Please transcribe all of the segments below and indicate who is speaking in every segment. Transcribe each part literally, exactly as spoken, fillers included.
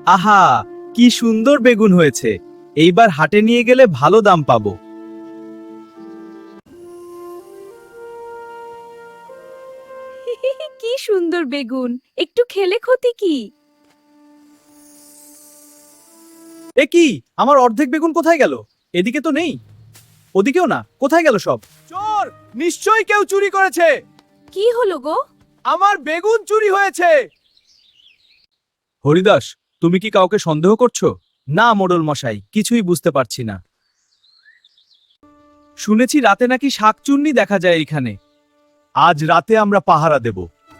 Speaker 1: আহা, কি সুন্দর বেগুন হয়েছে। এইবার হাটে নিয়ে গেলে ভালো দাম পাবো।
Speaker 2: কি সুন্দর বেগুন, একটু খেলে ক্ষতি কি?
Speaker 1: এ কি, আমার অর্ধেক বেগুন কোথায় গেল? এদিকে তো নেই, ওদিকেও না, কোথায় গেল সব? চোর! নিশ্চয়ই কেউ চুরি করেছে।
Speaker 2: কি হলো গো?
Speaker 1: আমার বেগুন চুরি হয়েছে। হরিদাস, তুমি কি কাউকে সন্দেহ করছো? না মোড়ল মশাই, কিছুই বুঝতে পারছি না। শুনেছি রাতে নাকি শাকচুন্নি দেখা যায় এখানে। আজ রাতে আমরা পাহারা দেব।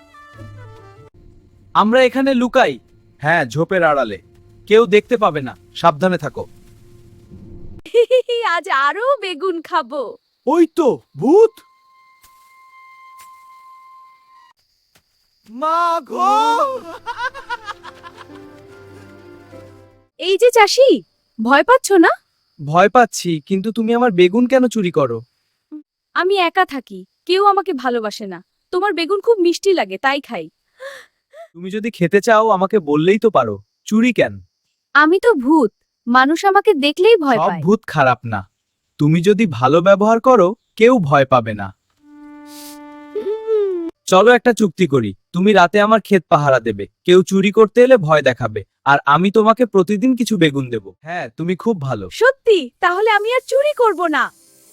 Speaker 1: আমরা এখানে লুকাই। হ্যাঁ, ঝোপের আড়ালে। কেউ দেখতে পাবে না, সাবধানে থাকো।
Speaker 2: আজ আরো বেগুন খাবো।
Speaker 1: ওই তো ভূত। মা গো!
Speaker 2: এই যে চাষি, ভয় পাচ্ছ না?
Speaker 1: ভয় পাচ্ছি, কিন্তু তুমি আমার বেগুন কেন চুরি করো?
Speaker 2: আমি একা থাকি, কেউ আমাকে ভালোবাসে না। তোমার বেগুন খুব মিষ্টি লাগে, তাই খাই।
Speaker 1: তুমি যদি খেতে চাও আমাকে বললেই তো পারো। চুরি কেন?
Speaker 2: আমি তো ভূত, মানুষ আমাকে দেখলেই ভয়
Speaker 1: সব
Speaker 2: পায়।
Speaker 1: ভূত খারাপ না। তুমি যদি ভালো ব্যবহার করো, কেউ ভয় পাবে না। চলো একটা চুক্তি করি। তুমি রাতে আমার ক্ষেত পাহারা দেবে, কেউ চুরি করতে এলে ভয় দেখাবে, আর আমি তোমাকে প্রতিদিন কিছু বেগুন দেব। হ্যাঁ, তুমি খুব ভালো।
Speaker 2: সত্যি? তাহলে আমি আর চুরি করব না।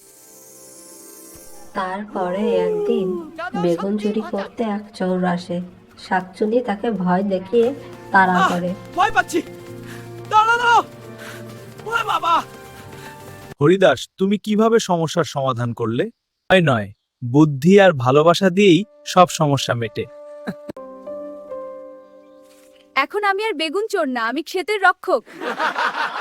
Speaker 3: তারপরে একদিন বেগুন চুরি করতে এক চোর আসে। শাকচুনি তাকে ভয় দেখিয়ে তাড়া করে।
Speaker 1: ভয় পাচ্ছি। দাঁড়ানো! ওরে বাবা! হরিদাস, তুমি কিভাবে সমস্যার সমাধান করলে? ভয় নয়, বুদ্ধি আর ভালোবাসা দিয়েই সব সমস্যা মেটে।
Speaker 2: এখন আমি আর বেগুন চোর না, আমি ক্ষেতের রক্ষক।